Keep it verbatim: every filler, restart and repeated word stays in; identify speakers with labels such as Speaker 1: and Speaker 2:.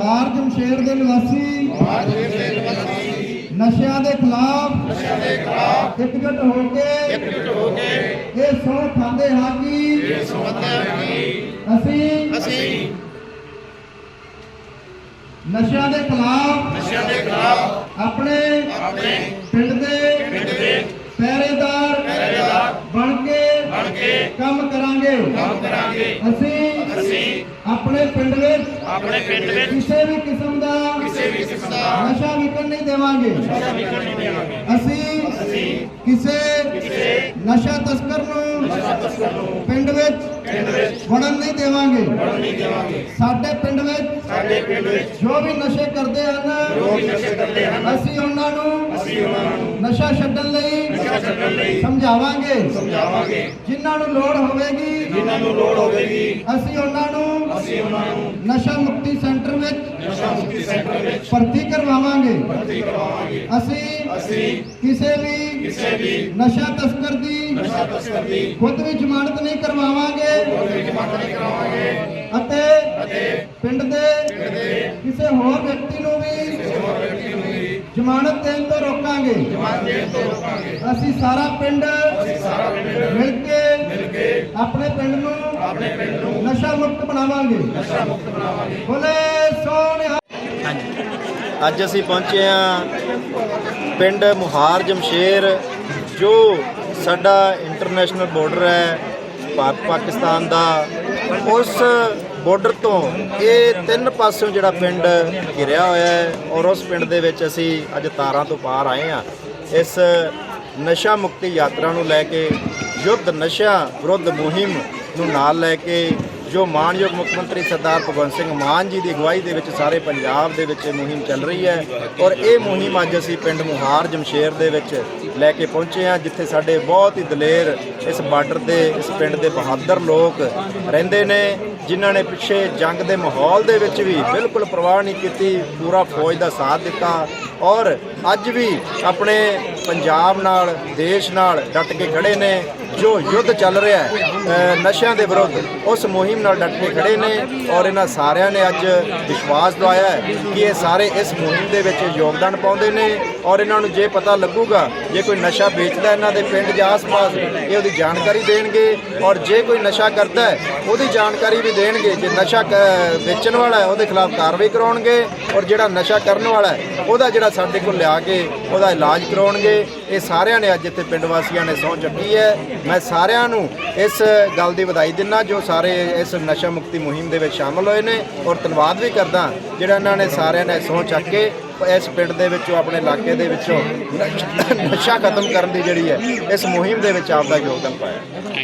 Speaker 1: ਮੁਹਾਰ ਜਮਸ਼ੇਰ ਦੇ ਨਿਵਾਸੀ ਨਸ਼ਿਆਂ ਦੇ ਖਿਲਾਫ ਇਕਜੁੱਟ ਹੋ ਕੇ ਇਹ ਸਹੁੰ ਖਾਂਦੇ ਹਾਂ ਕਿ ਅਸੀਂ ਨਸ਼ਿਆਂ ਦੇ ਖਿਲਾਫ ਆਪਣੇ ਪਿੰਡ ਦੇ ਪਹਿਰੇਦਾਰ ਬਣ ਕੇ ਕੰਮ ਕਰਾਂਗੇ। ਅਸੀਂ ਆਪਣੇ ਪਿੰਡ ਵਿੱਚ ਕਿਸੇ ਵੀ ਕਿਸਮ ਦਾ ਨਸ਼ਾ ਵਿਕਣ ਨਹੀਂ ਦੇਵਾਂਗੇ। ਅਸੀਂ ਕਿਸੇ ਨਸ਼ਾ ਤਸਕਰ ਨੂੰ ਪਿੰਡ ਵਿੱਚ ਵੜਨ ਨਹੀਂ ਦੇਵਾਂਗੇ। ਸਾਡੇ ਪਿੰਡ ਵਿੱਚ ਜੋ ਵੀ ਨਸ਼ੇ ਕਰਦੇ ਹਨ ਅਸੀਂ ਉਹਨਾਂ ਨੂੰ ਨਸ਼ਾ ਛੱਡਣ ਲਈ ਸਮਝਾਵਾਂਗੇ। ਜਿਨ੍ਹਾਂ ਨੂੰ ਲੋੜ ਹੋਵੇਗੀ ਅਸੀਂ ਉਹਨਾਂ ਨੂੰ ਨਸ਼ਾ ਮੁਕਤੀ ਸੈਂਟਰ ਵਿੱਚ ਭਰਤੀ ਕਰਵਾਵਾਂਗੇ। ਅਸੀਂ ਕਿਸੇ ਵੀ ਨਸ਼ਾ ਤਸਕਰ ਦੀ ਖੁਦ ਵੀ ਜ਼ਮਾਨਤ ਨਹੀਂ ਕਰਵਾਵਾਂਗੇ ਅਤੇ ਪਿੰਡ ਦੇ ਕਿਸੇ ਹੋਰ ਵਿਅਕਤੀ ਨੂੰ ਵੀ ਜ਼ਮਾਨਤ ਦੇਣ ਤੋਂ ਰੋਕਾਂਗੇ। ਅਸੀਂ ਸਾਰਾ ਪਿੰਡ ਮਿਲ ਕੇ ਆਪਣੇ ਪਿੰਡ ਨੂੰ ਨਸ਼ਾ ਮੁਕਤ ਬਣਾਵਾਂਗੇ। ਬੋਲੇ ਸੋਨਿਹਾ।
Speaker 2: ਅੱਜ ਅਸੀਂ ਪਹੁੰਚੇ ਹਾਂ ਪਿੰਡ ਮੁਹਾਰ ਜਮਸ਼ੇਰ, ਜੋ ਸਾਡਾ ਇੰਟਰਨੈਸ਼ਨਲ ਬਾਰਡਰ ਹੈ ਭਾਰਤ ਪਾਕਿਸਤਾਨ ਦਾ। ਉਸ ਬਾਰਡਰ ਤੋਂ ਇਹ ਤਿੰਨ ਪਾਸਿਓਂ ਜਿਹੜਾ ਪਿੰਡ ਘਿਰਿਆ ਹੋਇਆ ਹੈ ਔਰ ਉਸ ਪਿੰਡ ਦੇ ਵਿੱਚ ਅਸੀਂ ਅੱਜ ਤਾਰਾਂ ਤੋਂ ਪਾਰ ਆਏ ਹਾਂ ਇਸ ਨਸ਼ਾ ਮੁਕਤੀ ਯਾਤਰਾ ਨੂੰ ਲੈ ਕੇ। ਯੁੱਧ ਨਸ਼ਾ ਵਿਰੁੱਧ ਮੁਹਿੰਮ ਨੂੰ ਨਾਲ ਲੈ ਕੇ ਜੋ ਮਾਨਯੋਗ ਮੁੱਖ ਮੰਤਰੀ ਸਰਦਾਰ ਭਗਵੰਤ ਸਿੰਘ ਮਾਨ ਜੀ ਦੀ ਅਗਵਾਈ ਦੇ ਵਿੱਚ ਸਾਰੇ ਪੰਜਾਬ ਦੇ ਵਿੱਚ ਮੁਹਿੰਮ ਚੱਲ ਰਹੀ ਹੈ ਔਰ ਇਹ ਮੁਹਿੰਮ ਅੱਜ ਅਸੀਂ ਪਿੰਡ ਮੁਹਾਰ ਜਮਸ਼ੇਰ ਦੇ ਵਿੱਚ ਲੈ ਕੇ ਪਹੁੰਚੇ ਹਾਂ, ਜਿੱਥੇ ਸਾਡੇ ਬਹੁਤ ਹੀ ਦਲੇਰ ਇਸ ਬਾਰਡਰ ਦੇ ਇਸ ਪਿੰਡ ਦੇ ਬਹਾਦਰ ਲੋਕ ਰਹਿੰਦੇ ਨੇ, ਜਿਨ੍ਹਾਂ ਨੇ ਪਿੱਛੇ ਜੰਗ ਦੇ ਮਾਹੌਲ ਦੇ ਵਿੱਚ ਵੀ ਬਿਲਕੁਲ ਪਰਵਾਹ ਨਹੀਂ ਕੀਤੀ, ਪੂਰਾ ਫੌਜ ਦਾ ਸਾਥ ਦਿੱਤਾ ਔਰ ਅੱਜ ਵੀ ਆਪਣੇ ਪੰਜਾਬ ਨਾਲ ਦੇਸ਼ ਨਾਲ ਡਟ ਕੇ ਖੜੇ ਨੇ। ਜੋ ਯੁੱਧ ਚੱਲ ਰਿਹਾ ਹੈ ਨਸ਼ਿਆਂ ਦੇ ਵਿਰੁੱਧ, ਉਸ ਮੁਹਿੰਮ ਨਾਲ ਡਟ ਕੇ ਖੜੇ ਨੇ ਔਰ ਇਹਨਾਂ ਸਾਰਿਆਂ ਨੇ ਅੱਜ ਵਿਸ਼ਵਾਸ ਦਿਵਾਇਆ ਹੈ ਕਿ ਇਹ ਸਾਰੇ ਇਸ ਮੁਹਿੰਮ ਦੇ ਵਿੱਚ ਯੋਗਦਾਨ ਪਾਉਂਦੇ ਨੇ ਔਰ ਇਹਨਾਂ ਨੂੰ ਜੇ ਪਤਾ ਲੱਗੂਗਾ ਜੇ ਕੋਈ ਨਸ਼ਾ ਵੇਚਦਾ ਇਹਨਾਂ ਦੇ ਪਿੰਡ ਦੇ ਆਸ-ਪਾਸ, ਇਹ ਉਹਦੀ ਜਾਣਕਾਰੀ ਦੇਣਗੇ ਔਰ ਜੇ ਕੋਈ ਨਸ਼ਾ ਕਰਦਾ ਹੈ ਉਹਦੀ ਜਾਣਕਾਰੀ ਵੀ ਦੇਣਗੇ। ਜੇ ਨਸ਼ਾ ਵੇਚਣ ਵਾਲਾ ਹੈ ਉਹਦੇ ਖਿਲਾਫ ਕਾਰਵਾਈ ਕਰਾਉਣਗੇ ਔਰ ਜਿਹੜਾ ਨਸ਼ਾ ਕਰਨ ਵਾਲਾ ਹੈ ਉਹਦਾ ਜਿਹੜਾ ਸਾਡੇ ਕੋਲ ਲਿਆ ਕੇ ਉਹਦਾ ਇਲਾਜ ਕਰਾਉਣਗੇ। ਇਹ ਸਾਰਿਆਂ ਨੇ ਅੱਜ ਇੱਥੇ ਪਿੰਡ ਵਾਸੀਆਂ ਨੇ ਸਹੁੰ ਚੱਕੀ ਹੈ। ਮੈਂ ਸਾਰਿਆਂ ਨੂੰ ਇਸ ਗੱਲ ਦੀ ਵਧਾਈ ਦਿੰਦਾ ਜੋ ਸਾਰੇ ਇਸ ਨਸ਼ਾ ਮੁਕਤੀ ਮੁਹਿੰਮ ਦੇ ਵਿੱਚ ਸ਼ਾਮਲ ਹੋਏ ਨੇ ਔਰ ਧੰਨਵਾਦ ਵੀ ਕਰਦਾ ਜਿਹੜਾ ਇਹਨਾਂ ਨੇ ਸਾਰਿਆਂ ਨੇ ਸਹੁੰ ਚੱਕ ਕੇ ਇਸ ਪਿੰਡ ਦੇ ਵਿੱਚੋਂ ਆਪਣੇ ਇਲਾਕੇ ਦੇ ਵਿੱਚੋਂ ਨਸ਼ਾ ਖਤਮ ਕਰਨ ਦੀ ਜਿਹੜੀ ਹੈ ਇਸ ਮੁਹਿੰਮ ਦੇ ਵਿੱਚ ਆਪਦਾ ਯੋਗਦਾਨ ਪਾਇਆ।